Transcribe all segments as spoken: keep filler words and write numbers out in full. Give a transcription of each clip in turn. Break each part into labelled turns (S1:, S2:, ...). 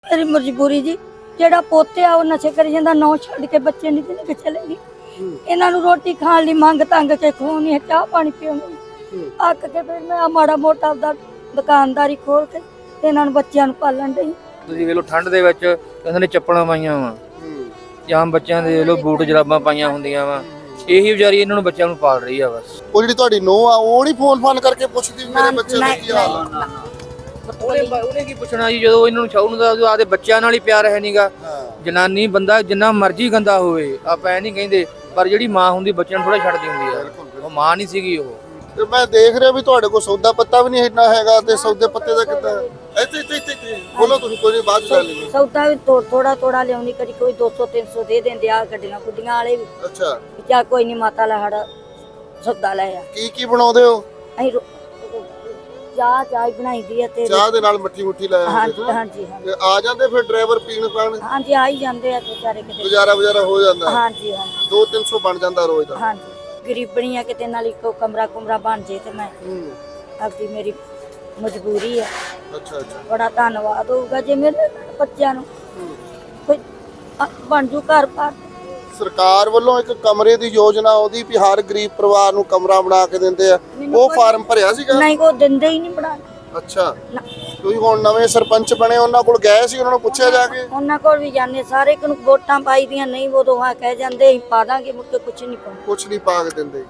S1: मेरी मजबूरी जी जेड़ा पोते आ नशे करी जांदा नौ छड़ के बच्चे नहीं ते नहीं चलेगी इन्हां नूं रोटी खाण लई मंग तंग के खोनी है चाह पानी पीनी अक के फिर मैं माड़ा मोटा आपदा दुकानदारी खोल के ते इन्हां नूं बच्चियां नूं पालण दई।
S2: ਤੁਸੀਂ ਵੇਖ ਲਓ ਠੰਡ ਦੇ ਵਿੱਚ ਕਹਿੰਦੇ ਨੇ ਚੱਪਲਾਂ ਪਾਈਆਂ ਵਾ ਜਾਂ ਬੱਚਿਆਂ ਦੇ ਵੇਖ ਲਓ ਬੂਟ ਜਰਾਬਾਂ ਪਾਈਆਂ ਹੁੰਦੀਆਂ ਵਾ ਇਹੀ ਵਿਚਾਰੀ ਇਹਨਾਂ ਨੂੰ ਬੱਚਿਆਂ ਨੂੰ ਪਾਲ ਰਹੀ ਆ ਬਸ।
S3: ਉਹ ਜਿਹੜੀ ਤੁਹਾਡੀ ਨੂੰਹ ਆ ਉਹ ਨਹੀਂ ਫੋਨ ਫਾਨ ਕਰਕੇ ਪੁੱਛਦੀ ਵੀ ਮੇਰੇ ਬੱਚੇ ਦਾ ਕੀ ਹਾਲ ਆ?
S2: ਉਹਨੇ ਉਹਨੇ ਕੀ ਪੁੱਛਣਾ ਜੀ ਜਦੋਂ ਇਹਨਾਂ ਨੂੰ ਛਾਉ ਨੂੰ ਦਾ ਆਪਦੇ ਬੱਚਿਆਂ ਨਾਲ ਹੀ ਪਿਆਰ ਹੈ ਨਹੀਂਗਾ। ਜਨਾਨੀ ਬੰਦਾ ਜਿੰਨਾ ਮਰਜ਼ੀ ਗੰਦਾ ਹੋਵੇ ਆਪਾਂ ਇਹ ਨਹੀਂ ਕਹਿੰਦੇ ਪਰ ਜਿਹੜੀ ਮਾਂ ਹੁੰਦੀ ਬੱਚਿਆਂ ਨੂੰ ਥੋੜਾ ਛੱਡਦੀ ਹੁੰਦੀ ਆ। ਉਹ ਮਾਂ ਨਹੀਂ ਸੀਗੀ ਉਹ।
S3: ਤੇ ਮੈਂ ਦੇਖ ਰਿਹਾ ਵੀ ਤੁਹਾਡੇ ਕੋਲ ਸੌਦਾ ਪੱਤਾ ਵੀ ਨਹੀਂ ਇੰਨਾ ਹੈਗਾ ਤੇ ਸੌਦੇ ਪੱਤੇ ਦਾ ਕਿੱਦਾਂ ਇੱਥੇ ਇੱਥੇ ਇੱਥੇ ਬੋਲੋ ਤੁਸੀਂ ਕੋਈ ਨਹੀਂ ਬਾਅਦ ਚ ਲੈ ਲਈਏ।
S1: ਸੌਦਾ ਵੀ ਥੋੜਾ ਥੋੜਾ ਲਿਆਉਣੀ ਕਦੀ ਕੋਈ ਦੋ ਸੌ ਤਿੰਨ ਸੌ ਦੇ ਦਿੰਦੇ ਆ ਗੱਡੀਆਂ ਗੁੱਡੀਆਂ ਵਾਲੇ ਵੀ।
S3: ਅੱਛਾ
S1: ਚਾ ਕੋਈ ਨਹੀਂ ਮਾਤਾ ਲੈ ਹੜ ਸੌਦਾ ਲੈ ਆ।
S3: ਕੀ ਕੀ ਬਣਾਉਂਦੇ ਹੋ?
S1: ਅਸੀਂ ਚਾਹ ਚਾਹ ਹੀ ਬਣਾਈ ਦੀ ਆ ਤੇ
S3: ਚਾਹ ਦੇ ਨਾਲ ਮੱਠੀ ਮੁੱਠੀ ਲੈ
S1: ਹਾਂਜੀ ਹਾਂਜੀ ਹਾਂਜੀ
S3: ਤੇ ਆ ਜਾਂਦੇ ਫਿਰ ਡਰਾਈਵਰ ਪੀਣ ਪਾਣ
S1: ਹਾਂਜੀ ਆ ਹੀ ਜਾਂਦੇ ਆ ਤੇ ਵਿਚਾਰੇ ਕਿਤੇ
S3: ਗੁਜ਼ਾਰਾ ਗੁਜ਼ਾਰਾ ਹੋ ਜਾਂਦਾ
S1: ਹਾਂਜੀ ਹਾਂਜੀ
S3: ਦੋ ਤਿੰਨ ਸੌ ਬਣ ਜਾਂਦਾ ਰੋਜ਼ ਦਾ।
S1: ਹਾਂਜੀ ਗਰੀਬਣੀ ਆ ਕਿਤੇ ਨਾਲ ਇੱਕੋ ਕਮਰਾ ਕੁਮਰਾ ਬਣ ਜੇ ਤੇ ਮੈਂ ਆਪਦੀ ਮੇਰੀ ਮਜਬੂਰੀ ਆ।
S3: ਅੱਛਾ ਅੱਛਾ
S1: ਬੜਾ ਧੰਨਵਾਦ ਹੋਊਗਾ ਜੇ ਮੇਰੇ ਬੱਚਿਆਂ ਨੂੰ ਕੋਈ ਬਣ ਜੂ ਘਰ ਬਾਰ।
S3: ਸਰਕਾਰ ਵੱਲੋਂ ਇੱਕ ਕਮਰੇ ਦੀ ਯੋਜਨਾ ਆਉਂਦੀ ਵੀ ਹਰ ਗਰੀਬ ਪਰਿਵਾਰ ਨੂੰ ਕਮਰਾ ਬਣਾ ਕੇ ਦਿੰਦੇ ਆ ਉਹ ਫਾਰਮ ਭਰਿਆ ਸੀਗਾ?
S1: ਨਹੀਂ ਉਹ ਦਿੰਦੇ ਹੀ ਨਹੀਂ ਬਣਾ।
S3: ਅੱਛਾ ਤੁਸੀਂ ਹੁਣ ਨਵੇਂ ਸਰਪੰਚ ਬਣੇ ਉਹਨਾਂ ਕੋਲ ਗਏ ਸੀ ਉਹਨਾਂ ਨੂੰ ਪੁੱਛਿਆ ਜਾ ਕੇ?
S1: ਉਹਨਾਂ ਕੋਲ ਵੀ ਜਾਂਦੇ ਸਾਰੇ ਨੂੰ ਵੋਟਾਂ ਪਾਈ ਦੀਆਂ ਨਹੀਂ ਉਦੋਂ ਆ ਕਹਿ ਜਾਂਦੇ ਅਸੀਂ ਪਾ ਦਾਂਗੇ ਮੁੱਕੇ ਕੁਛ ਨਹੀਂ ਪਾਉਂਦੇ
S3: ਕੁਛ ਨਹੀਂ ਪਾ ਕੇ ਦਿੰਦੇ।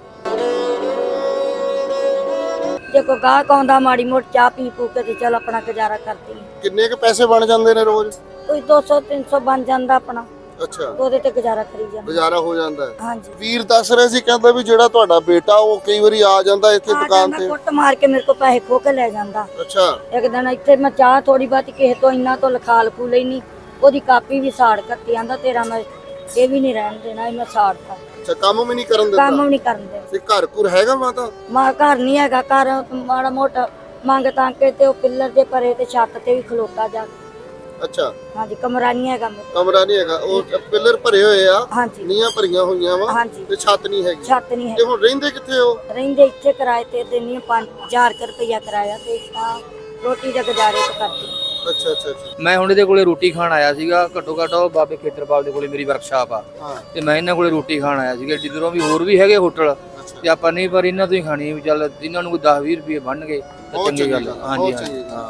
S1: ਜੇ ਕੋਈ ਗਾਹਕ ਆਉਂਦਾ ਮਾੜੀ ਮੋਟੀ ਚਾਹ ਪੀ ਪੂ ਕੇ ਤੇ ਚੱਲ ਆਪਣਾ ਗੁਜ਼ਾਰਾ ਕਰਦੀ ਹਾਂ।
S3: ਕਿੰਨੇ ਕੁ ਪੈਸੇ ਬਣ ਜਾਂਦੇ ਨੇ ਰੋਜ਼?
S1: ਕੋਈ ਦੋ ਸੌ ਤਿੰਨ ਸੌ ਬਣ ਜਾਂਦਾ ਆਪਣਾ।
S3: ਅੱਛਾ
S1: ਉਹਦੇ ਤੇ ਗੁਜ਼ਾਰਾ ਕਰੀ ਜਾਂਦਾ
S3: ਗੁਜ਼ਾਰਾ ਹੋ ਜਾਂਦਾ ਹੈ।
S1: ਹਾਂਜੀ
S3: ਵੀਰ ਦੱਸ ਰਹੇ ਸੀ ਕਹਿੰਦਾ ਵੀ ਜਿਹੜਾ ਤੁਹਾਡਾ ਬੇਟਾ ਉਹ ਕਈ ਵਾਰੀ ਆ ਜਾਂਦਾ ਇੱਥੇ ਦੁਕਾਨ ਤੇ
S1: ਕੁੱਟ ਮਾਰ ਕੇ ਮੇਰੇ ਕੋਲ ਪੈਸੇ ਖੋ ਕੇ ਲੈ ਜਾਂਦਾ।
S3: ਅੱਛਾ
S1: ਇੱਕ ਦਿਨ ਇੱਥੇ ਮੈਂ ਚਾਹ ਥੋੜੀ ਬਾਤੀ ਕਿਸੇ ਤੋਂ ਇੰਨਾ ਤੋਂ ਲਿਖਾ ਲਖੂ ਲੈਣੀ ਉਹਦੀ ਕਾਪੀ ਵੀ ਸਾੜ ਕੱਤੀ ਆਂਦਾ ਤੇਰਾ ਮੈਂ ਇਹ ਵੀ ਨਹੀਂ ਰਹਿਣ ਦੇਣਾ ਮੈਂ ਸਾੜਤਾ।
S3: ਅੱਛਾ ਕੰਮ ਵੀ ਨਹੀਂ ਕਰਨ ਦਿੰਦਾ?
S1: ਕੰਮ ਵੀ ਨਹੀਂ ਕਰਨ ਦੇ।
S3: ਤੇ ਘਰ ਘੁਰ ਹੈਗਾ ਮਾਤਾ?
S1: ਮਾਂ ਘਰ ਨਹੀਂ ਹੈਗਾ ਘਰ ਮਾੜਾ ਮੋਟਾ ਮੰਗ ਤਾਂ ਕੇ ਤੇ ਉਹ ਪਿੱਲਰ ਦੇ ਪਰੇ ਤੇ ਛੱਤ ਤੇ ਵੀ ਖਲੋਤਾ ਜਾ।
S3: ਅੱਛਾ
S1: ਹਾਂਜੀ ਕਮਰਾ ਨਹੀਂ ਹੈਗਾ ਮੇਰੇ
S3: ਕਮਰਾ ਨਹੀਂ ਹੈਗਾ ਉਹ ਪਿੱਲਰ ਭਰੇ ਹੋਏ ਆ
S1: ਹਾਂਜੀ
S3: ਨੀਆਂ ਭਰੀਆਂ ਹੋਈਆਂ ਵਾ
S1: ਹਾਂਜੀ
S3: ਤੇ ਛੱਤ ਨਹੀਂ ਹੈਗੀ।
S1: ਛੱਤ ਨਹੀਂ
S3: ਤੇ
S1: ਹੈ।
S3: ਹੁਣ ਰਹਿੰਦੇ ਕਿੱਥੇ ਹੋ?
S1: ਰਹਿੰਦੇ ਇੱਥੇ ਕਿਰਾਏ ਤੇ ਦਿੰਨੀ ਪੰਜ ਹਜ਼ਾਰ ਰੁਪਇਆ ਕਿਰਾਇਆ ਤੇ ਤਾਂ ਰੋਟੀ ਦਾ ਗੁਜ਼ਾਰੇ ਤੇ ਕਰਦੀ।
S3: ਅੱਛਾ ਅੱਛਾ ਅੱਛਾ
S2: ਮੈਂ ਹੁਣ ਇਹਦੇ ਕੋਲੇ ਰੋਟੀ ਖਾਣ ਆਇਆ ਸੀਗਾ ਘੱਟੋ ਘੱਟ ਉਹ ਬਾਬੇ ਖੇਤਰਪਾਲ ਦੇ ਕੋਲੇ ਮੇਰੀ ਵਰਕਸ਼ਾਪ ਆ
S3: ਹਾਂ
S2: ਤੇ ਮੈਂ ਇਹਨਾਂ ਕੋਲੇ ਰੋਟੀ ਖਾਣ ਆਇਆ ਸੀਗਾ। ਜਿੱਧਰੋਂ ਵੀ ਹੋਰ ਵੀ ਹੈਗੇ ਹੋਟਲ ਤੇ ਆਪਾਂ ਨਹੀਂ ਪਰ ਇਹਨਾਂ ਤੋਂ ਹੀ ਖਾਣੀ ਵੀ ਚੱਲ ਇਹਨਾਂ ਨੂੰ ਕੋਈ ਦਸ ਵੀਹ ਰੁਪਏ ਬਣਨਗੇ ਤਾਂ ਚੰਗੀ ਗੱਲ। ਹਾਂਜੀ ਹਾਂਜੀ ਹਾਂ।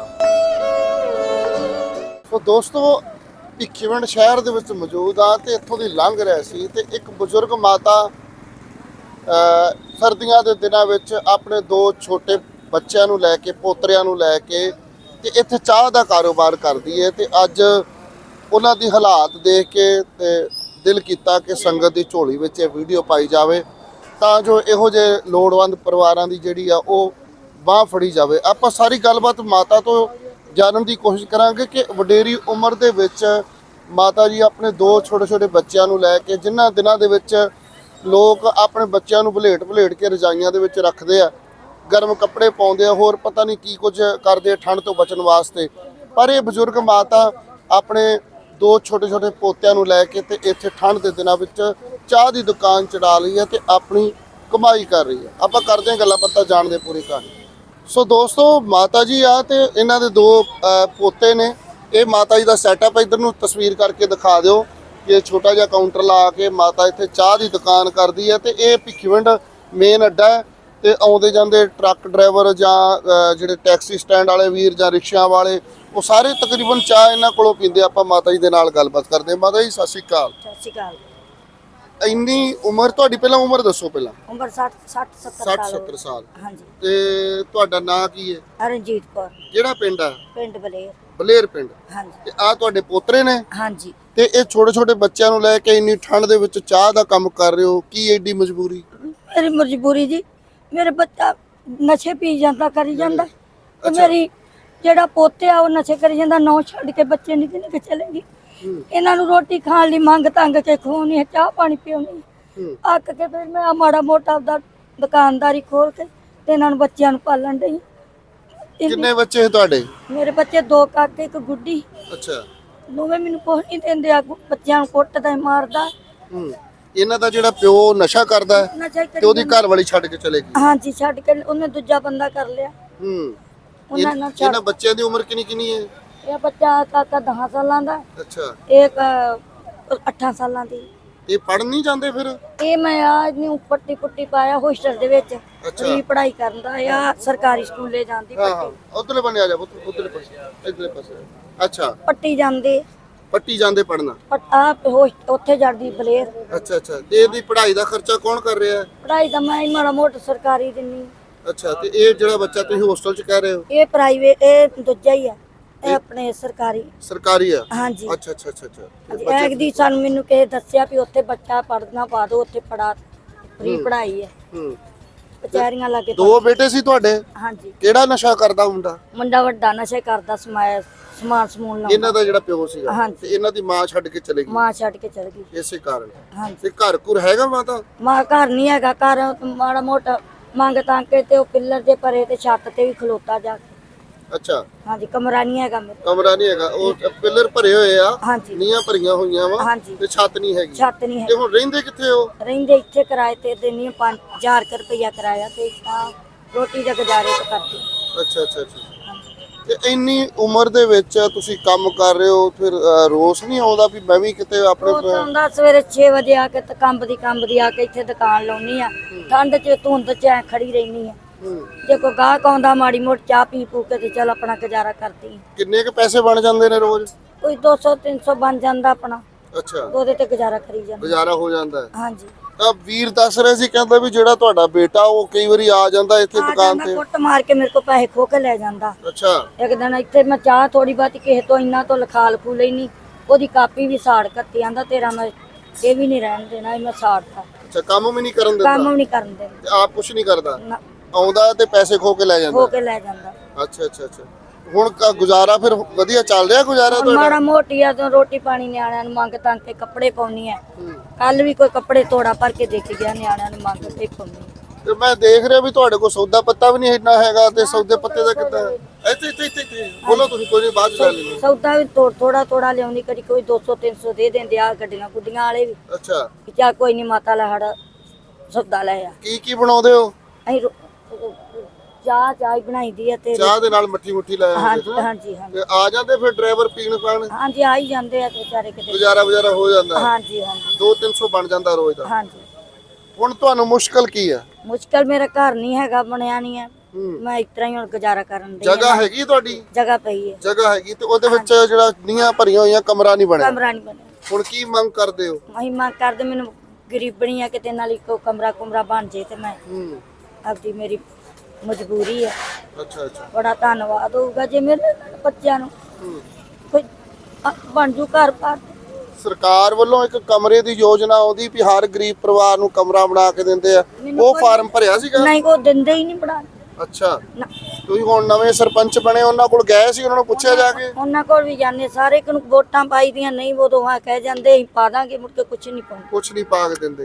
S3: ਸੋ ਦੋਸਤੋ ਭਿੱਖੀਵਿੰਡ ਸ਼ਹਿਰ ਦੇ ਵਿੱਚ ਮੌਜੂਦ ਆ ਤੇ ਇੱਥੋਂ ਦੀ ਲੰਘ ਰਿਹਾ ਸੀ ਤੇ ਇੱਕ ਬਜ਼ੁਰਗ ਮਾਤਾ ਸਰਦੀਆਂ ਦੇ ਦਿਨਾਂ ਵਿੱਚ ਆਪਣੇ ਦੋ ਛੋਟੇ ਬੱਚਿਆਂ ਨੂੰ ਲੈ ਕੇ ਪੋਤਰਿਆਂ ਨੂੰ ਲੈ ਕੇ ਤੇ ਇੱਥੇ ਚਾਹ ਦਾ ਕਾਰੋਬਾਰ ਕਰਦੀ ਹੈ ਤੇ ਅੱਜ ਉਹਨਾਂ ਦੀ ਹਾਲਾਤ ਦੇਖ ਕੇ ਤੇ ਦਿਲ ਕੀਤਾ ਕਿ ਸੰਗਤ ਦੀ ਝੋਲੀ ਵਿੱਚ ਇਹ ਵੀਡੀਓ ਪਾਈ ਜਾਵੇ ਤਾਂ ਜੋ ਇਹੋ ਜਿਹੇ ਲੋੜਵੰਦ ਪਰਿਵਾਰਾਂ ਦੀ ਜਿਹੜੀ ਆ ਉਹ ਬਾਹ ਫੜੀ ਜਾਵੇ। ਆਪਾਂ ਸਾਰੀ ਗੱਲਬਾਤ ਮਾਤਾ ਤੋਂ ਜਾਣਨ ਦੀ ਕੋਸ਼ਿਸ਼ ਕਰਾਂਗੇ ਕਿ ਵਡੇਰੀ ਉਮਰ ਦੇ ਵਿੱਚ ਮਾਤਾ ਜੀ ਆਪਣੇ ਦੋ ਛੋਟੇ ਛੋਟੇ ਬੱਚਿਆਂ ਨੂੰ ਲੈ ਕੇ ਜਿਨ੍ਹਾਂ ਦਿਨਾਂ ਦੇ ਵਿੱਚ ਲੋਕ ਆਪਣੇ ਬੱਚਿਆਂ ਨੂੰ ਭਲੇਟ ਭਲੇਟ ਕੇ ਰਜਾਈਆਂ ਦੇ ਵਿੱਚ ਰੱਖਦੇ ਆ ਗਰਮ ਕੱਪੜੇ ਪਾਉਂਦੇ ਆ ਹੋਰ ਪਤਾ ਨਹੀਂ ਕੀ ਕੁਝ ਕਰਦੇ ਠੰਡ ਤੋਂ ਬਚਣ ਵਾਸਤੇ ਪਰ ਇਹ ਬਜ਼ੁਰਗ ਮਾਤਾ ਆਪਣੇ ਦੋ ਛੋਟੇ ਛੋਟੇ ਪੋਤਿਆਂ ਨੂੰ ਲੈ ਕੇ ਤੇ ਇੱਥੇ ਠੰਡ ਦੇ ਦਿਨਾਂ ਵਿੱਚ ਚਾਹ ਦੀ ਦੁਕਾਨ ਚੜਾ ਲਈ ਹੈ ਤੇ ਆਪਣੀ ਕਮਾਈ ਕਰ ਰਹੀ ਹੈ। ਆਪਾਂ ਕਰਦੇ ਹਾਂ ਗੱਲਾਂ ਬਾਤਾਂ ਜਾਣਦੇ ਪੂਰੀ ਕਹਾਣੀ। ਸੋ ਦੋਸਤੋ ਮਾਤਾ ਜੀ ਆ ਤੇ ਇਹਨਾਂ ਦੇ ਦੋ ਪੋਤੇ ਨੇ। ਇਹ ਮਾਤਾ ਜੀ ਦਾ ਸੈਟਅਪ ਇਧਰ ਨੂੰ ਤਸਵੀਰ ਕਰਕੇ ਦਿਖਾ ਦਿਓ ਕਿ ਛੋਟਾ ਜਿਹਾ ਕਾਊਂਟਰ ਲਾ ਕੇ ਮਾਤਾ ਇੱਥੇ ਚਾਹ ਦੀ ਦੁਕਾਨ ਕਰਦੀ ਹੈ ਤੇ ਇਹ ਭਿੱਖੀਵਿੰਡ ਮੇਨ ਅੱਡਾ ਹੈ ਤੇ ਆਉਂਦੇ ਜਾਂਦੇ ਟਰੱਕ ਡਰਾਈਵਰ ਜਾਂ ਜਿਹੜੇ ਟੈਕਸੀ ਸਟੈਂਡ ਵਾਲੇ ਵੀਰ ਜਾਂ ਰਿਕਸ਼ਿਆਂ ਵਾਲੇ ਉਹ ਸਾਰੇ ਤਕਰੀਬਨ ਚਾਹ ਇਹਨਾਂ ਕੋਲੋਂ ਪੀਂਦੇ। ਆਪਾਂ ਮਾਤਾ ਜੀ ਦੇ ਨਾਲ ਗੱਲਬਾਤ ਕਰਦੇ ਹਾਂ। ਮਾਤਾ ਜੀ ਸਤਿ ਸ਼੍ਰੀ ਅਕਾਲ।
S1: ਸਤਿ ਸ਼੍ਰੀ ਅਕਾਲ।
S3: ਇੰਨੀ ਉਮਰ ਤੁਹਾਡੀ ਪਹਿਲਾਂ ਉਮਰ ਦੱਸੋ ਪਹਿਲਾਂ?
S1: ਉਮਰ ਸੱਠ ਸੱਠ ਸੱਤਰ
S3: ਸੱਠ
S1: ਸਾਲ
S3: ਸੱਤਰ ਸਾਲ।
S1: ਹਾਂਜੀ
S3: ਤੇ ਤੁਹਾਡਾ ਨਾਂ ਕੀ ਹੈ?
S1: ਰਣਜੀਤ ਕੌਰ
S3: ਕਿਹੜਾ ਪਿੰਡ ਆ?
S1: ਪਿੰਡ ਬਲੇਰ।
S3: ਬਲੇਰ ਪਿੰਡ।
S1: ਹਾਂਜੀ
S3: ਤੇ ਆ ਤੁਹਾਡੇ ਪੋਤਰੇ ਨੇ?
S1: ਹਾਂਜੀ
S3: ਤੇ ਇਹ ਛੋਟੇ ਛੋਟੇ ਬੱਚਿਆਂ ਨੂੰ ਲੈ ਕੇ ਇੰਨੀ ਠੰਡ ਦੇ ਵਿੱਚ ਚਾਹ ਦਾ ਕੰਮ ਕਰ ਰਹੇ ਹੋ ਕੀ ਐਡੀ ਮਜਬੂਰੀ?
S1: ਮੇਰੀ ਮਜਬੂਰੀ ਜੀ ਮੇਰੇ ਬੱਚਾ ਨਸ਼ੇ ਪੀ ਜਾਂਦਾ ਕਰੀ ਜਾਂਦਾ ਤੇ ਮੇਰੀ ਜਿਹੜਾ ਪੋਤੇ ਆ ਉਹ ਨਸ਼ੇ ਕਰੀ ਜਾਂਦਾ ਨੌ ਛੱਡ ਕੇ ਬੱਚੇ ਨਹੀਂ ਤੇ ਨਹੀਂ ਚਲੇਗੀ ਇਹਨਾਂ ਨੂੰ ਰੋਟੀ ਖਾਣ ਲਈ ਮੰਗ ਤੰਗ ਕੇ ਖੋਣੀ ਹੈ ਚਾਹ ਪਾਣੀ ਪੀਉਣੀ ਅੱਕ ਕੇ ਫਿਰ ਮੈਂ ਮਾੜਾ ਮੋਟਾ ਆਪਦਾ ਦੁਕਾਨਦਾਰੀ ਖੋਲ ਕੇ ਤੇ ਇਹਨਾਂ ਨੂੰ ਬੱਚਿਆਂ ਨੂੰ ਪਾਲਣ ਦਈ।
S3: ਕਿੰਨੇ ਬੱਚੇ ਤੁਹਾਡੇ?
S1: ਮੇਰੇ ਬੱਚੇ ਦੋ ਕਾਕੇ ਇੱਕ ਗੁੱਡੀ।
S3: ਅੱਛਾ
S1: ਦੋਵੇਂ ਮੈਨੂੰ ਕੁਛ ਨਹੀਂ ਦਿੰਦੇ ਆ ਬੱਚਿਆਂ ਨੂੰ ਕੁੱਟਦਾ ਮਾਰਦਾ।
S3: ਹੂੰ ਇਹਨਾਂ ਦਾ ਜਿਹੜਾ ਪਿਓ ਨਸ਼ਾ ਕਰਦਾ ਹੈ
S1: ਨਸ਼ਾ
S3: ਤੇ ਉਹਦੀ ਘਰ ਵਾਲੀ ਛੱਡ ਕੇ ਚਲੇ ਗਈ?
S1: ਹਾਂਜੀ ਛੱਡ ਕੇ ਉਹਨੇ ਦੂਜਾ ਬੰਦਾ ਕਰ ਲਿਆ।
S3: ਹੂੰ
S1: ਉਹਨਾਂ ਨਾਲ
S3: ਇਹਨਾਂ ਬੱਚਿਆਂ ਦੀ ਉਮਰ ਕਿੰਨੀ ਕਿੰਨੀ ਹੈ?
S1: ਇਹ ਬੱਚਾ ਕਾਕਾ ਦਸ ਸਾਲਾਂ ਦਾ,
S3: ਅੱਛਾ
S1: ਇੱਕ ਅੱਠ ਸਾਲਾਂ ਦੀ।
S3: ਇਹ ਪੜ੍ਹਨ ਨਹੀਂ ਜਾਂਦੇ ਫਿਰ?
S1: ਇਹ ਮੈਂ ਆ ਇਹਨੂੰ ਪੱਟੀ ਪੁੱਟੀ ਪਾਇਆ ਹੋਸਟਲ ਦੇ ਵਿੱਚ,
S3: ਅੱਛਾ।
S1: ਫ੍ਰੀ ਪੜ੍ਹਾਈ ਕਰਨ ਦਾ ਆ, ਸਰਕਾਰੀ ਸਕੂਲੇ ਜਾਂਦੀ
S3: ਹਾਂ ਹਾਂ
S1: ਪੱਟੀ
S3: ਉਧਰਲੇ ਬੰਨੇ ਆ ਜਾ ਪੁੱਤ, ਉਧਰਲੇ ਪਾਸੇ ਇਧਰਲੇ ਪਾਸੇ। ਅੱਛਾ
S1: ਪੱਟੀ ਜਾਂਦੇ,
S3: ਪੱਟੀ ਜਾਂਦੇ ਪੜਨਾ।
S1: ਆ ਉੱਥੇ ਜਾਂਦੀ ਬਲੇਰ।
S3: ਅੱਛਾ ਅੱਛਾ ਤੇ ਇਹਦੀ ਪੜ੍ਹਾਈ ਦਾ ਖਰਚਾ ਕੌਣ ਕਰ ਰਿਹਾ ਹੈ?
S1: ਪੜ੍ਹਾਈ ਦਾ ਮੈਂ ਹੀ ਮਾੜਾ ਮੋਟਾ ਸਰਕਾਰੀ ਦਿੰਨੀ।
S3: ਅੱਛਾ ਤੇ ਇਹ ਜਿਹੜਾ ਬੱਚਾ ਤੁਸੀਂ ਹੋਸਟਲ 'ਚ ਕਹਿ ਰਹੇ ਹੋ
S1: ਇਹ ਪ੍ਰਾਈਵੇਟ, ਇਹ ਦੂਜਾ ਹੀ ਆ, ਇਹ ਆਪਣੇ ਸਰਕਾਰੀ।
S3: ਸਰਕਾਰੀ ਆ?
S1: ਹਾਂਜੀ
S3: ਅੱਛਾ ਅੱਛਾ ਅੱਛਾ ਅੱਛਾ
S1: ਹਾਂਜੀ, ਇੱਕ ਦੀ ਸਾਨੂੰ ਮੈਨੂੰ ਕਿਸੇ ਦੱਸਿਆ ਵੀ ਉੱਥੇ ਬੱਚਾ ਪੜ੍ਹਨਾ ਪਾ ਦੋ, ਉੱਥੇ ਪੜਾ ਫ੍ਰੀ ਪੜ੍ਹਾਈ ਹੈ।
S3: ਹੂੰ
S1: ਵਿਚਾਰੀਆਂ ਲੱਗੇ।
S3: ਦੋ ਬੇਟੇ ਸੀ ਤੁਹਾਡੇ?
S1: ਹਾਂਜੀ।
S3: ਕਿਹੜਾ ਨਸ਼ਾ ਕਰਦਾ ਮੁੰਡਾ?
S1: ਮੁੰਡਾ ਵੱਡਾ ਨਸ਼ੇ ਕਰਦਾ, ਸਮਾਇਆ ਸਮਾਨ ਸਮੂਨ ਲਾਉਂਦਾ।
S3: ਇਹਨਾਂ ਦਾ ਜਿਹੜਾ ਪਿਓ ਸੀਗਾ
S1: ਹਾਂਜੀ।
S3: ਤੇ ਇਹਨਾਂ ਦੀ ਮਾਂ ਛੱਡ ਕੇ ਚਲੇ ਗਈ
S1: ਮਾਂ ਛੱਡ ਕੇ ਚਲ ਗਈ।
S3: ਇਸੇ ਕਾਰਨ?
S1: ਹਾਂਜੀ।
S3: ਤੇ ਘਰ ਘੁਰ ਹੈਗਾ ਮਾਤਾ?
S1: ਮਾਂ ਘਰ ਨਹੀਂ ਹੈਗਾ, ਘਰ ਮਾੜਾ ਮੋਟਾ ਮੰਗ ਤਾਂ ਕੇ ਤੇ ਉਹ ਪਿੱਲਰ ਦੇ ਪਰੇ ਤੇ ਛੱਤ ਤੇ ਵੀ ਖਲੋਤਾ ਜਾ ਕੇ।
S3: ਅੱਛਾ
S1: ਹਾਂਜੀ, ਕਮਰਾ ਨਹੀਂ ਹੈਗਾ ਮੇਰੇ।
S3: ਕਮਰਾ ਨਹੀਂ ਹੈਗਾ, ਉਹ ਪਿੱਲਰ ਭਰੇ ਹੋਏ ਆ,
S1: ਹਾਂਜੀ
S3: ਨੀਆਂ ਭਰੀਆਂ ਹੋਈਆਂ ਵਾ
S1: ਹਾਂਜੀ।
S3: ਤੇ ਛੱਤ ਨਹੀਂ ਹੈਗੀ।
S1: ਛੱਤ ਨਹੀਂ
S3: ਤੇ
S1: ਹੈਗੀ।
S3: ਹੁਣ ਰਹਿੰਦੇ ਕਿੱਥੇ ਹੋ?
S1: ਰਹਿੰਦੇ ਇੱਥੇ ਕਿਰਾਏ ਤੇ ਦਿੰਨੀ ਪੰਜ ਹਜ਼ਾਰ ਰੁਪਇਆ ਕਿਰਾਇਆ ਤੇ ਤਾਂ ਰੋਟੀ ਦਾ ਗੁਜ਼ਾਰੇ ਤੇ ਕਰਦੀ।
S3: ਅੱਛਾ ਅੱਛਾ ਅੱਛਾ ਤੇ ਇੰਨੀ ਉਮਰ ਦੇ ਵਿੱਚ ਤੁਸੀਂ ਕੰਮ ਕਰ ਰਹੇ ਹੋ, ਫਿਰ ਅਹ, ਰੋਸ ਨਹੀਂ ਆਉਂਦਾ ਵੀ ਮੈਂ ਵੀ ਕਿਤੇ ਆਪਣੇ
S1: ਉਹ ਤਾਂ ਹੁੰਦਾ ਸਵੇਰੇ ਛੇ ਵਜੇ ਆ ਕੇ ਤੇ ਕੰਬਦੀ ਕੰਬਦੀ ਆ ਕੇ ਇੱਥੇ ਦੁਕਾਨ ਲਾਉਣੀ ਆ, ਠੰਡ 'ਚ ਧੁੰਦ 'ਚ ਐ ਖੜੀ ਰਹਿਣੀ ਆ।
S3: ਹੂੰ।
S1: ਜੇ ਕੋਈ ਗਾਹਕ ਆਉਂਦਾ ਮਾੜੀ ਮੋਟ ਚਾਹ ਪੀ ਪੂ ਕੇ ਤੇ ਚਲ ਆਪਣਾ ਗੁਜ਼ਾਰਾ ਕਰਦੀ।
S3: ਕਿੰਨੇ ਕ ਪੈਸੇ ਬਣ ਜਾਂਦੇ ਨੇ ਰੋਜ਼?
S1: ਕੋਈ ਦੋ ਸੌ ਤਿੰਨ ਸੌ ਬਣ ਜਾਂਦਾ ਆਪਣਾ,
S3: ਅੱਛਾ
S1: ਉਹਦੇ ਤੇ ਗੁਜ਼ਾਰਾ ਕਰੀ ਜਾਂਦਾ।
S3: ਗੁਜ਼ਾਰਾ ਹੋ ਜਾਂਦਾ ਹੈ।
S1: ਹਾਂਜੀ।
S3: ਤਾਂ ਵੀਰ ਦੱਸ ਰਿਹਾ ਸੀ, ਕਹਿੰਦਾ ਵੀ ਜਿਹੜਾ ਤੁਹਾਡਾ ਬੇਟਾ ਉਹ ਕਈ ਵਾਰੀ ਆ ਜਾਂਦਾ ਇੱਥੇ
S1: ਆ
S3: ਦੁਕਾਨ
S1: ਜਾਂਦਾ,
S3: ਤੇ।
S1: ਕੁੱਟ ਮਾਰ ਕੇ ਮੇਰੇ ਕੋਲ ਪੈਸੇ ਖੋ ਕੇ ਲੈ ਜਾਂਦਾ।
S3: ਅੱਛਾ
S1: ਇੱਕ ਦਿਨ ਇੱਥੇ ਮੈਂ ਚਾਹ ਥੋੜੀ ਬਾਤੀ ਕਿਸੇ ਤੋਂ ਇੰਨਾ ਤੋਂ ਲਿਖਾ ਲਖੂ ਲੈਣੀ, ਉਹਦੀ ਕਾਪੀ ਵੀ ਸਾੜ ਕੱਤੀ, ਆਂਦਾ ਤੇਰਾ ਮੈਂ ਇਹ ਵੀ ਨਹੀਂ ਰਹਿਣ ਦੇਣਾ, ਮੈਂ ਸਾੜਤਾ।
S3: ਅੱਛਾ ਕੰਮ ਵੀ ਨਹੀਂ ਕਰਨ
S1: ਕੰਮ
S3: ਦਿੰਦਾ
S1: ਵੀ ਨਹੀਂ ਕਰਨ ਦੇਣਾ।
S3: ਤੇ ਆਪ ਕੁਛ ਨਹੀਂ ਕਰਦਾ?
S1: ਨਾ,
S3: ਆਉਂਦਾ ਤੇ ਪੈਸੇ ਖੋ ਕੇ ਲੈ
S1: ਖੋ
S3: ਜਾਂਦਾ?
S1: ਕੇ ਲੈ ਜਾਂਦਾ।
S3: ਅੱਛਾ ਅੱਛਾ ਅੱਛਾ ਹੁਣ ਕ- ਗੁਜ਼ਾਰਾ ਫਿਰ ਵਧੀਆ ਚੱਲ ਰਿਹਾ ਗੁਜ਼ਾਰਾ
S1: ਹੁਣ
S3: ਤੁਹਾਡਾ?
S1: ਮਾੜਾ ਮੋਟੀ ਆ ਤੋਂ ਰੋਟੀ ਪਾਣੀ ਨਿਆਣਿਆਂ ਨੂੰ ਮੰਗ ਤਾਂ ਕੇ ਕੱਪੜੇ ਪਾਉਣੀ ਆ।
S3: ਹੂੰ।
S1: ਕੱਲ ਵੀ ਕੋਈ ਕੱਪੜੇ ਤੋੜਾ ਭਰ ਕੇ ਦੇ ਕੇ ਗਿਆ, ਨਿਆਣਿਆਂ ਨੂੰ ਮੰਗ ਤੇ ਪਾਉਣੀ।
S3: ਤੇ ਮੈਂ ਦੇਖ ਰਿਹਾ ਵੀ ਤੁਹਾਡੇ ਕੋਲ ਸੌਦਾ ਪੱਤਾ ਵੀ ਨਹੀਂ ਇੰਨਾ ਹੈਗਾ, ਤੇ ਸੌਦੇ ਪੱਤੇ ਦਾ ਕਿੱਦਾਂ? ਇੱਥੇ ਇੱਥੇ ਇੱਥੇ ਇੱਥੇ ਬੋਲੋ ਤੁਸੀਂ, ਕੋਈ ਨਹੀਂ ਬਾਅਦ ਚ ਲੈ ਲੈਂਦੇ।
S1: ਸੌਦਾ ਵੀ ਥੋ- ਥੋੜਾ ਥੋੜਾ ਲਿਆਉਂਦੀ, ਕਦੀ ਕੋਈ ਦੋ ਸੌ ਤਿੰਨ ਸੌ ਦੇ ਦਿੰਦੇ ਆ ਗੱਡੀਆਂ ਗੁੱਡੀਆਂ ਵਾਲੇ ਵੀ।
S3: ਅੱਛਾ
S1: ਵੀ ਚੱਲ ਕੋਈ ਨਹੀਂ ਮਾਤਾ ਲੈ ਹੜ ਸੌਦਾ ਲੈ ਆ।
S3: ਕੀ ਕੀ ਬਣਾਉਂਦੇ ਹੋ?
S1: ਅਸੀਂ ਰੋ- ਚਾਹ ਚਾਹ ਹੀ ਬਣਾਈ ਦੀ ਆ ਤੇ
S3: ਚਾਹ ਦੇ ਨਾਲ ਮੱਠੀ ਮੁੱਠੀ ਲੈ ਆਉਂਦੇ
S1: ਹਾਂਜੀ
S3: ਹੋ?
S1: ਹਾਂਜੀ ਹਾਂਜੀ
S3: ਤੇ ਆ ਜਾਂਦੇ ਫਿਰ ਡਰਾਈਵਰ ਪੀਣ ਪਾਣ?
S1: ਹਾਂਜੀ ਆ ਹੀ ਜਾਂਦੇ ਆ ਤੇ ਵਿਚਾਰੇ ਕਿਤੇ।
S3: ਗੁਜ਼ਾਰਾ ਗੁਜ਼ਾਰਾ ਹੋ ਜਾਂਦਾ?
S1: ਹਾਂਜੀ ਹਾਂਜੀ
S3: ਦੋ ਤਿੰਨ ਸੌ ਬਣ ਜਾਂਦਾ ਰੋਜ਼ ਦਾ?
S1: ਹਾਂਜੀ।
S3: ਹੁਣ ਤੁਹਾਨੂੰ ਮੁਸ਼ਕਲ ਕੀ ਆ?
S1: ਮੁਸ਼ਕਲ ਮੇਰਾ ਘਰ ਨਹੀਂ ਹੈਗਾ, ਬਣਿਆ ਨਹੀਂ ਹੈ,
S3: ਹੂੰ।
S1: ਮੈਂ ਇਸ ਤਰ੍ਹਾਂ ਹੀ ਹੁਣ ਗੁਜ਼ਾਰਾ ਕਰਨ ਦੀ।
S3: ਜਗ੍ਹਾ ਹੈਗੀ ਤੁਹਾਡੀ?
S1: ਜਗ੍ਹਾ ਪਈ ਹੈ,
S3: ਜਗ੍ਹਾ ਹੈਗੀ ਤੇ ਉਹਦੇ ਵਿੱਚ ਜਿਹੜਾ ਨੀਆਂ ਭਰੀਆਂ ਹੋਈਆਂ, ਕਮਰਾ ਨਹੀਂ ਬਣਿਆ?
S1: ਕਮਰਾ ਨਹੀਂ ਬਣਿਆ।
S3: ਹੁਣ ਕੀ ਮੰਗ ਕਰਦੇ ਹੋ?
S1: ਅਸੀਂ ਮੰਗ ਕਰਦੇ, ਮੈਨੂੰ ਗਰੀਬਣੀ ਆ ਕਿਤੇ ਨਾਲ ਇੱਕੋ ਕਮਰਾ ਕੁਮਰਾ ਬਣ ਜੇ ਤੇ ਮੈਂ
S3: ਹੂੰ।
S1: ਆਪਦੀ, ਮੇਰੀ ਮਜਬੂਰੀ ਹੈ।
S3: ਅੱਛਾ ਅੱਛਾ
S1: ਬੜਾ ਧੰਨਵਾਦ ਹੋਊਗਾ ਜੇ ਮੇਰੇ ਬੱਚਿਆਂ ਨੂੰ
S3: ਹੂੰ।
S1: ਕੋਈ ਅ- ਬਣ ਜੂ ਘਰ ਪਾਰ।
S3: ਸਰਕਾਰ ਵੱਲੋਂ ਇੱਕ ਕਮਰੇ ਦੀ ਯੋਜਨਾ ਆਉਂਦੀ ਵੀ ਹਰ ਗਰੀਬ ਪਰਿਵਾਰ ਨੂੰ ਕਮਰਾ ਬਣਾ ਕੇ ਦਿੰਦੇ ਆ, ਉਹ ਫਾਰਮ ਭਰਿਆ ਸੀਗਾ?
S1: ਨਹੀਂ, ਉਹ ਦਿੰਦੇ ਹੀ ਨਹੀਂ ਬਣਾ।
S3: ਅੱਛਾ
S1: ਨਾ,
S3: ਤੁਸੀਂ ਹੁਣ ਨਵੇਂ ਸਰਪੰਚ ਬਣੇ, ਉਹਨਾਂ ਕੋਲ ਗਏ ਸੀ, ਉਹਨਾਂ ਨੂੰ ਪੁੱਛਿਆ ਜਾ ਕੇ?
S1: ਉਹਨਾਂ ਕੋਲ ਵੀ ਜਾਂਦੇ ਸਾਰੇ, ਕਿ ਨੂੰ ਵੋਟਾਂ ਪਾਈ ਦੀਆਂ ਨਹੀਂ, ਉਦੋਂ ਹਾਂ ਕਹਿ ਜਾਂਦੇ ਅਸੀਂ ਪਾ ਦਾਂਗੇ, ਮੁੜ ਕੇ ਕੁਛ ਨਹੀਂ ਪਾਉਂਦੇ।
S3: ਕੁਛ ਨਹੀਂ ਪਾ ਕੇ ਦਿੰਦੇ।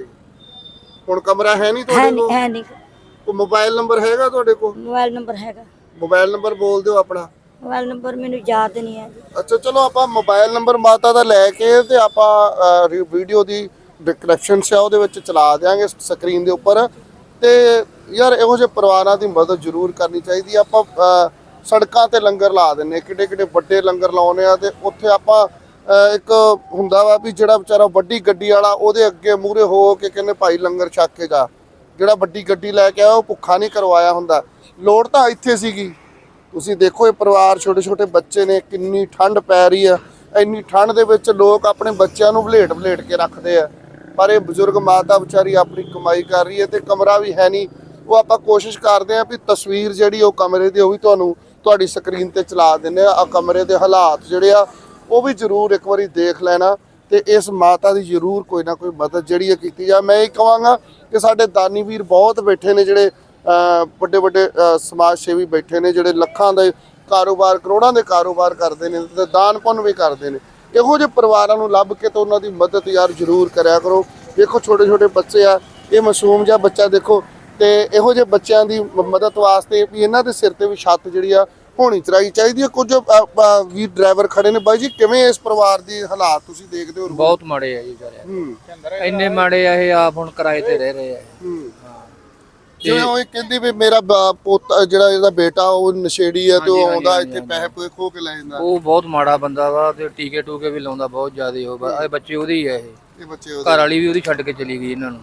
S3: ਹੁਣ ਕਮਰਾ ਹੈ ਨਹੀਂ
S1: ਹੈ
S3: ਤੁਹਾਡੇ
S1: ਨਹੀਂ
S3: ਕੋਲ?
S1: ਹੈ ਨਹੀਂ।
S3: ਕੋਈ ਮੋਬਾਈਲ ਨੰਬਰ ਹੈਗਾ ਤੁਹਾਡੇ ਕੋਲ?
S1: ਮੋਬਾਈਲ ਨੰਬਰ ਹੈਗਾ।
S3: ਮੋਬਾਈਲ ਨੰਬਰ ਬੋਲ ਦਿਓ ਆਪਣਾ।
S1: ਮੋਬਾਈਲ ਨੰਬਰ ਮੈਨੂੰ ਯਾਦ ਨਹੀਂ ਹੈ ਜੀ।
S3: ਅੱਛਾ ਚਲੋ ਆਪਾਂ ਮੋਬਾਈਲ ਨੰਬਰ ਮਾਤਾ ਦਾ ਲੈ ਕੇ ਤੇ ਆਪਾਂ ਵੀਡੀਓ ਦੀ ਡਿਸਕ੍ਰਿਪਸ਼ਨ 'ਚ ਆ ਉਹਦੇ ਵਿੱਚ ਚਲਾ ਦਿਆਂਗੇ ਸਕਰੀਨ ਦੇ ਉੱਪਰ। ਤੇ ਯਾਰ ਇਹੋ ਜਿਹੇ ਪਰਿਵਾਰਾਂ ਦੀ ਮਦਦ ਜ਼ਰੂਰ ਕਰਨੀ ਚਾਹੀਦੀ ਆ। ਆਪਾਂ ਅਹ, ਸੜਕਾਂ ਤੇ ਲੰਗਰ ਲਾ ਦਿੰਨੇ, ਕਿੱਡੇ ਕਿੱਡੇ ਵੱਡੇ ਲੰਗਰ ਲਾਉਨੇ ਆ, ਤੇ ਉੱਥੇ ਆਪਾਂ ਅਹ, ਇੱਕ ਹੁੰਦਾ ਵਾ ਵੀ ਜਿਹੜਾ ਵਿਚਾਰਾ ਵੱਡੀ ਗੱਡੀ ਵਾਲਾ, ਉਹਦੇ ਅੱਗੇ ਮੂਹਰੇ ਹੋ ਕੇ ਕਹਿੰਦੇ ਭਾਈ ਲੰਗਰ ਛਕ ਕੇ ਜਾ। ਜਿਹੜਾ ਵੱਡੀ ਗੱਡੀ ਲੈ ਕੇ ਆਇਆ ਉਹ ਭੁੱਖਾ ਨਹੀਂ ਕਰਵਾਇਆ ਹੁੰਦਾ। ਲੋੜ ਤਾਂ ਇੱਥੇ ਸੀਗੀ। ਤੁਸੀਂ ਦੇਖੋ ਇਹ ਪਰਿਵਾਰ, ਛੋਟੇ ਛੋਟੇ ਬੱਚੇ ਨੇ, ਕਿੰਨੀ ਠੰਡ ਪੈ ਰਹੀ ਆ। ਇੰਨੀ ਠੰਡ ਦੇ ਵਿੱਚ ਲੋਕ ਆਪਣੇ ਬੱਚਿਆਂ ਨੂੰ ਵਲੇਟ ਵਲੇਟ ਕੇ ਰੱਖਦੇ ਆ, ਪਰ ਇਹ ਬਜ਼ੁਰਗ ਮਾਤਾ ਵਿਚਾਰੀ ਆਪਣੀ ਕਮਾਈ ਕਰ ਰਹੀ ਹੈ ਤੇ ਕਮਰਾ ਵੀ ਹੈ ਨਹੀਂ। ਉਹ ਆਪਾਂ ਕੋਸ਼ਿਸ਼ ਕਰਦੇ ਹਾਂ ਵੀ ਤਸਵੀਰ ਜਿਹੜੀ ਉਹ ਕਮਰੇ ਦੀ ਉਹ ਵੀ ਤੁਹਾਨੂੰ ਤੁਹਾਡੀ ਸਕਰੀਨ ਤੇ ਚਲਾ ਦਿੰਦੇ ਆ। ਆ ਕਮਰੇ ਦੇ ਹਾਲਾਤ ਜਿਹੜੇ ਆ ਉਹ ਵੀ ਜ਼ਰੂਰ ਇੱਕ ਵਾਰੀ ਦੇਖ ਲੈਣਾ, ਤੇ ਇਸ ਮਾਤਾ ਦੀ ਜ਼ਰੂਰ ਕੋਈ ਨਾ ਕੋਈ ਮਦਦ ਜਿਹੜੀ ਹੈ ਕੀਤੀ ਜਾ। ਮੈਂ ਇਹ ਕਹਾਂਗਾ ਕਿ ਸਾਡੇ ਦਾਨੀ ਵੀਰ ਬਹੁਤ ਬੈਠੇ ਨੇ, ਜਿਹੜੇ ਵੱਡੇ ਵੱਡੇ ਸਮਾਜ ਸੇਵੀ ਬੈਠੇ ਨੇ, ਜਿਹੜੇ ਲੱਖਾਂ ਦੇ ਕਾਰੋਬਾਰ, ਕਰੋੜਾਂ ਦੇ ਕਾਰੋਬਾਰ ਕਰਦੇ ਨੇ ਤੇ ਦਾਨ ਪੁੰਨ ਵੀ ਕਰਦੇ ਨੇ। ਇਹੋ ਜਿਹੇ ਪਰਿਵਾਰਾਂ ਨੂੰ ਲੱਭ ਕੇ ਤੇ ਉਹਨਾਂ ਦੀ ਮਦਦ ਯਾਰ ਜ਼ਰੂਰ ਕਰਿਆ ਕਰੋ। ਦੇਖੋ ਛੋਟੇ ਛੋਟੇ ਬੱਚੇ ਆ, ਇਹ ਮਾਸੂਮ ਜਿਹਾ ਬੱਚਾ ਦੇਖੋ, ਤੇ ਇਹੋ ਜਿਹੇ ਬੱਚਿਆਂ ਦੀ ਮਦਦ ਵਾਸਤੇ ਵੀ ਇਹਨਾਂ ਦੇ ਸਿਰ ਤੇ ਵੀ ਛੱਤ ਜਿਹੜੀ ਆ ਹੋਣੀ ਚਾਹੀਦੀ ਚਾਹੀਦੀ ਹੈ। ਕੁਝ ਵੀਰ ਡਰਾਈਵਰ ਖੜੇ ਨੇ। ਬਾਈ ਜੀ ਕਿਵੇਂ ਇਸ ਪਰਿਵਾਰ ਦੀ ਹਾਲਾਤ ਤੁਸੀਂ ਦੇਖਦੇ ਹੋ?
S2: ਬਹੁਤ ਮਾੜੇ ਆ ਜੀ ਵਿਚਾਰੇ,
S3: ਹੂੰ
S2: ਇੰਨੇ ਮਾੜੇ ਆ ਇਹ, ਆਪ ਹੁਣ ਕਿਰਾਏ ਤੇ ਰਹਿ ਰਹੇ ਆ।
S3: ਹੂੰ ਜਿਵੇਂ ਉਹ ਕਹਿੰਦੀ ਵੀ ਮੇਰਾ ਬ- ਪੋਤਾ ਜਿਹੜਾ ਇਹਦਾ ਬੇਟਾ ਉਹ ਨਸ਼ੇੜੀ ਹੈ ਤੇ ਉਹ
S2: ਹਾਂਜੀ,
S3: ਆਉਂਦਾ
S2: ਹਾਂਜੀ,
S3: ਇੱਥੇ ਪੈਸੇ ਪੂਸੇ ਖੋ ਕੇ ਲੈ ਜਾਂਦਾ।
S2: ਉਹ ਬਹੁਤ ਮਾੜਾ ਬੰਦਾ ਵਾ ਤੇ ਟੀਕੇ ਟੂਕੇ ਵੀ ਲਾਉਂਦਾ ਬਹੁਤ ਜ਼ਿਆਦਾ। ਉਹ ਬ- ਇਹ ਬੱਚੇ ਉਹਦੇ ਹੀ ਆ ਇਹ।
S3: ਇਹ ਬੱਚੇ ਉਹਦੇ
S2: ਘਰ ਵਾਲੀ ਵੀ ਉਹਦੀ ਛੱਡ ਕੇ ਚਲੀ ਗਈ ਇਹਨਾਂ ਨੂੰ।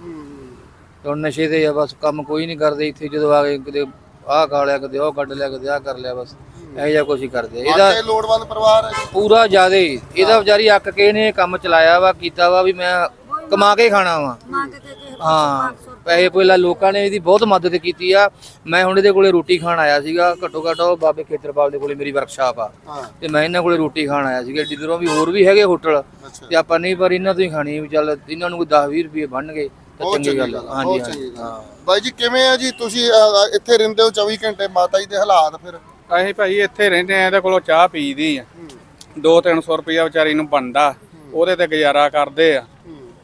S2: ਤੇ ਹੁਣ ਨਸ਼ੇ ਤੇ ਆ ਬਸ, ਕੰਮ ਕੋਈ ਨਹੀਂ ਕਰਦੇ ਇੱਥੇ। ਜਦੋਂ ਆ ਗਏ ਕਿਤੇ ਆਹ ਖਾ ਲਿਆ, ਕਦੇ ਉਹ ਕੱਢ ਲਿਆ, ਕਦੇ ਆਹ ਕਰ ਲਿਆ, ਬਸ ਇਹੋ ਜਿਹਾ ਕੁਛ ਹੀ ਕਰਦੇ ਆ। ਇਹਦਾ
S3: ਇਹ ਲੋੜਵੰਦ ਪਰਿਵਾਰ ਹੈ।
S2: ਪੂਰਾ ਜ਼ਿਆਦਾ ਹੀ ਇਹਦਾ ਵਿਚਾਰੀ ਅੱਕ ਕੇ ਨੇ ਕੰਮ ਚਲਾਇਆ ਵਾ, ਕੀਤਾ ਵਾ ਵੀ ਮੈਂ ਕਮਾ ਕੇ ਖਾਣਾ ਵਾ। ਹਾਂ, ਪੈਸੇ ਪਹਿਲਾਂ ਲੋਕਾਂ ਨੇ ਇਹਦੀ ਬਹੁਤ ਮਦਦ ਕੀਤੀ ਆ। ਮੈਂ ਹੁਣ ਇਹਦੇ ਕੋਲੇ ਰੋਟੀ ਖਾਣ ਆਇਆ ਸੀਗਾ। ਘੱਟੋ ਘੱਟ ਉਹ ਬਾਬੇ ਖੇਤਰਪਾਲ ਦੇ ਕੋਲੇ ਮੇਰੀ ਵਰਕਸ਼ਾਪ ਆ ਤੇ ਮੈਂ ਇਹਨਾਂ ਕੋਲੇ ਰੋਟੀ ਖਾਣ ਆਇਆ ਸੀਗਾ। ਜਿੱਧਰੋਂ ਵੀ ਹੋਰ ਵੀ ਹੈਗੇ ਹੋਟਲ ਤੇ ਆਪਾਂ ਨਹੀਂ, ਪਰ ਇਹਨਾਂ ਤੋਂ ਹੀ ਖਾਣੀ ਵੀ। ਚੱਲ ਇਹਨਾਂ ਨੂੰ ਕੋਈ ਦਸ ਵੀਹ ਰੁਪਏ ਬਣਨਗੇ ਤਾਂ ਚੰਗੀ ਗੱਲ ਆ। ਹਾਂਜੀ ਹਾਂਜੀ ਹਾਂ
S3: ਬਾਈ ਜੀ ਕਿਵੇਂ ਆ ਜੀ ਤੁਸੀਂ ਅ, ਇੱਥੇ ਰਹਿੰਦੇ ਹੋ ਚੌਵੀ ਘੰਟੇ, ਮਾਤਾ ਜੀ ਦੇ ਹਾਲਾਤ ਫਿਰ?
S4: ਅਸੀਂ ਭਾਈ ਇੱਥੇ ਰਹਿੰਦੇ ਆ, ਇਹਦੇ ਕੋਲੋਂ ਚਾਹ ਪੀਦੀ ਆ। ਦੋ ਤਿੰਨ ਸੌ ਰੁਪਇਆ ਵਿਚਾਰੀ ਨੂੰ ਬਣਦਾ, ਉਹਦੇ ਤੇ ਗੁਜ਼ਾਰਾ ਕਰਦੇ ਆ।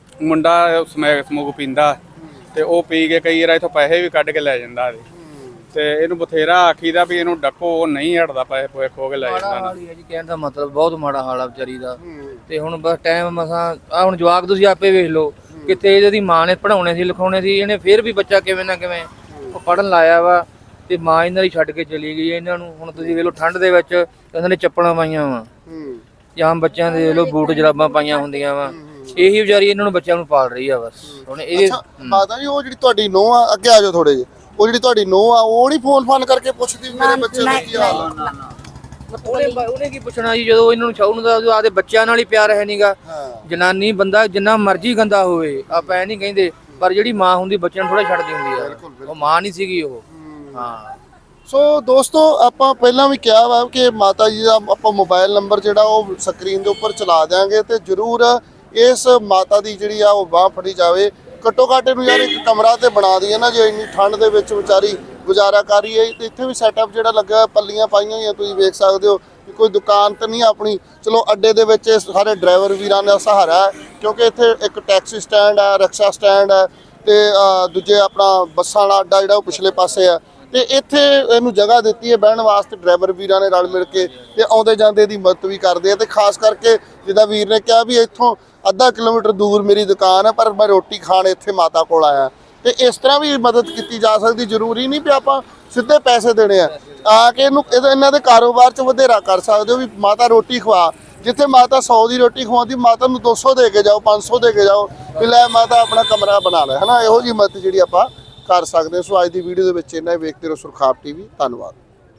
S4: ਮੁੰਡਾ ਸਮੈਕ ਸਮੂਕ ਪੀਂਦਾ ਤੇ ਉਹ ਪੀ ਕੇ ਕਈ ਵਾਰ ਇਥੋਂ ਪੈਸੇ ਵੀ ਕੱਢ ਕੇ ਲੈ ਜਾਂਦਾ ਇਹਦੇ। ਤੇ ਇਹਨੂੰ ਬਥੇਰਾ ਆਖੀਦਾ ਵੀ ਇਹਨੂੰ ਡੱਕੋ, ਉਹ ਨਹੀਂ ਹਟਦਾ, ਪੈਸੇ ਪੋਏ ਖੋ ਕੇ ਲੈ ਜਾਂਦਾ।
S2: ਹਾਲ ਹੀ ਹੈ ਜੀ, ਕਹਿਣ ਦਾ ਮਤਲਬ ਬਹੁਤ ਮਾੜਾ ਹਾਲ ਆ ਵਿਚਾਰੀ ਦਾ। ਤੇ ਹੁਣ ਬਸ ਟਾਈਮ ਮਸਾਂ ਆ। ਹੁਣ ਜਵਾਕ ਤੁਸੀਂ ਆਪੇ ਵੇਖ ਲਓ, ਕਿਤੇ ਇਹਦੀ ਮਾਂ ਨੇ ਪੜਾਉਣੇ ਸੀ, ਲਿਖਾਉਣੇ ਸੀ, ਇਹਨੇ ਫਿਰ ਵੀ ਬੱਚਾ ਕਿਵੇਂ ਨਾ ਕਿਵੇਂ ਉਹ ਪੜਨ ਲਾਇਆ ਵਾ ਤੇ ਮਾਂ ਇਹਨਾਂ ਦੀ ਛੱਡ ਕੇ ਚਲੀ ਗਈ ਇਹਨਾਂ ਨੂੰ। ਹੁਣ ਤੁਸੀਂ ਵੇਖ ਲਓ ਠੰਡ ਦੇ ਵਿੱਚ ਇਹਨਾਂ ਨੇ ਚੱਪਲਾਂ ਪਾਈਆਂ ਵਾ, ਜਾਂ ਬੱਚਿਆਂ ਦੇ ਵੇਖ ਲਓ ਬੂਟ ਜਰਾਬਾਂ ਪਾਈਆਂ ਹੁੰਦੀਆਂ ਵਾ। ਇਹੀ ਵਿਚਾਰੀ ਇਹਨਾਂ ਨੂੰ ਬੱਚਿਆਂ ਨੂੰ ਪਾਲ ਰਹੀ ਆ ਬਸ। ਹੁਣ ਇਹ
S3: ਮਾਤਾ ਜੀ ਉਹ ਜਿਹੜੀ ਤੁਹਾਡੀ ਨੂੰਹ ਆ, ਅੱਗੇ ਆ ਜਾਓ ਥੋੜੇ ਜਿਹੇ, ਉਹ ਜਿਹੜੀ ਤੁਹਾਡੀ ਨੂੰਹ ਆ ਉਹ ਨਹੀਂ ਫੋਨ ਫਾਨ ਕਰਕੇ ਪੁੱਛਦੀ ਵੀ ਮੇਰੇ ਬੱਚੇ ਦਾ ਕੀ ਹਾਲ ਆ?
S2: ਉਹਨੇ ਉਹਨੇ ਕੀ ਪੁੱਛਣਾ ਜੀ, ਜਦੋਂ ਇਹਨਾਂ ਨੂੰ ਛਾਉ ਨੂੰ ਦਾ ਆਦੇ ਬੱਚਿਆਂ ਨਾਲ ਹੀ ਪਿਆਰ ਹੈ ਨਹੀਂਗਾ। ਜਨਾਨੀ ਬੰਦਾ ਜਿੰਨਾ ਮਰਜ਼ੀ ਗੰਦਾ ਹੋਵੇ, ਆਪਾਂ ਐ ਨਹੀਂ ਕਹਿੰਦੇ, ਪਰ ਜਿਹੜੀ ਮਾਂ ਹੁੰਦੀ ਬੱਚਿਆਂ ਨੂੰ ਥੋੜਾ ਛੱਡਦੀ ਹੁੰਦੀ ਆ। ਉਹ ਮਾਂ ਨਹੀਂ ਸੀਗੀ ਉਹ। ਹਾਂ,
S3: ਸੋ ਦੋਸਤੋ ਆਪਾਂ ਪਹਿਲਾਂ ਵੀ ਕਿਹਾ ਵਾ ਕਿ ਮਾਤਾ ਜੀ ਦਾ ਆਪਾਂ ਮੋਬਾਈਲ ਨੰਬਰ ਜਿਹੜਾ ਉਹ ਸਕਰੀਨ ਦੇ ਉੱਪਰ ਚਲਾ ਦਿਆਂਗੇ ਤੇ ਜਰੂਰ ਇਸ ਮਾਤਾ ਦੀ ਜਿਹੜੀ ਆ ਉਹ ਬਾਹ ਫੜੀ ਜਾਵੇ। ਘੱਟੋ ਘੱਟ ਇਹਨੂੰ ਯਾਰ ਇੱਕ ਕਮਰਾ ਤੇ ਬਣਾ ਦਈਏ ਨਾ, ਜੇ ਇੰਨੀ ਠੰਡ ਦੇ ਵਿੱਚ ਵਿਚਾਰੀ ਗੁਜ਼ਾਰਾ ਕਰ ਰਹੀ ਹੈ। ਤੇ ਇੱਥੇ ਵੀ ਸੈਟਅਪ ਜਿਹੜਾ ਲੱਗਾ, ਪੱਲੀਆਂ ਪਾਈਆਂ ਹੋਈਆਂ ਤੁਸੀਂ ਵੇਖ ਸਕਦੇ ਹੋ। ਕੋਈ ਦੁਕਾਨ ਤਾਂ ਨਹੀਂ ਆਪਣੀ, ਚਲੋ ਅੱਡੇ ਦੇ ਵਿੱਚ ਸਾਰੇ ਡਰਾਈਵਰ ਵੀਰਾਂ ਦਾ ਸਹਾਰਾ ਹੈ, ਕਿਉਂਕਿ ਇੱਥੇ ਇੱਕ ਟੈਕਸੀ ਸਟੈਂਡ ਹੈ, ਰਿਕਸ਼ਾ ਸਟੈਂਡ ਹੈ ਤੇ ਦੂਜੇ ਆਪਣਾ ਬੱਸਾਂ ਦਾ ਅੱਡਾ ਜਿਹੜਾ ਉਹ ਪਿਛਲੇ ਪਾਸੇ ਆ। ਤੇ ਇੱਥੇ ਇਹਨੂੰ ਜਗ੍ਹਾ ਦਿੱਤੀ ਹੈ ਬਹਿਣ ਵਾਸਤੇ, ਡਰਾਈਵਰ ਵੀਰਾਂ ਨੇ ਰਲ ਮਿਲ ਕੇ ਤੇ ਆਉਂਦੇ ਜਾਂਦੇ ਦੀ ਮਦਦ ਵੀ ਕਰਦੇ ਆ। ਤੇ ਖਾਸ ਕਰਕੇ ਜਿੱਦਾਂ ਵੀਰ ਨੇ ਕਿਹਾ ਵੀ ਇੱਥੋਂ ਅੱਧਾ ਕਿਲੋਮੀਟਰ ਦੂਰ ਮੇਰੀ ਦੁਕਾਨ ਹੈ, ਪਰ ਮੈਂ ਰੋਟੀ ਖਾਣ ਇੱਥੇ ਮਾਤਾ ਕੋਲ ਆਇਆ। ਤੇ ਇਸ ਤਰ੍ਹਾਂ ਵੀ ਮਦਦ ਕੀਤੀ ਜਾ ਸਕਦੀ, ਜ਼ਰੂਰੀ ਨਹੀਂ ਵੀ ਆਪਾਂ ਸਿੱਧੇ ਪੈਸੇ ਦੇਣੇ ਆ। ਆ ਕੇ ਇਹਨੂੰ ਇਹਨਾਂ ਦੇ ਕਾਰੋਬਾਰ 'ਚ ਵਧੇਰਾ ਕਰ ਸਕਦੇ ਹੋ ਵੀ ਮਾਤਾ ਰੋਟੀ ਖਵਾ। ਜਿੱਥੇ ਮਾਤਾ ਸੌ ਦੀ ਰੋਟੀ ਖਵਾਉਂਦੀ, ਮਾਤਾ ਨੂੰ ਦੋ ਸੌ ਦੇ ਕੇ ਜਾਓ, ਪੰਜ ਸੌ ਦੇ ਕੇ ਜਾਓ ਵੀ ਲੈ ਮਾਤਾ ਆਪਣਾ ਕਮਰਾ ਬਣਾ ਲੈ, ਹੈ ਨਾ। ਇਹੋ ਜਿਹੀ ਮਦਦ ਜਿਹੜੀ ਆਪਾਂ ਕਰ ਸਕਦੇ ਹਾਂ। ਸੋ ਅੱਜ ਦੀ ਵੀਡੀਓ ਦੇ ਵਿੱਚ ਇੰਨਾ ਹੀ। ਵੇਖਦੇ ਰਹੋ ਸੁਰਖਾਬ ਟੀਵੀ। ਧੰਨਵਾਦ।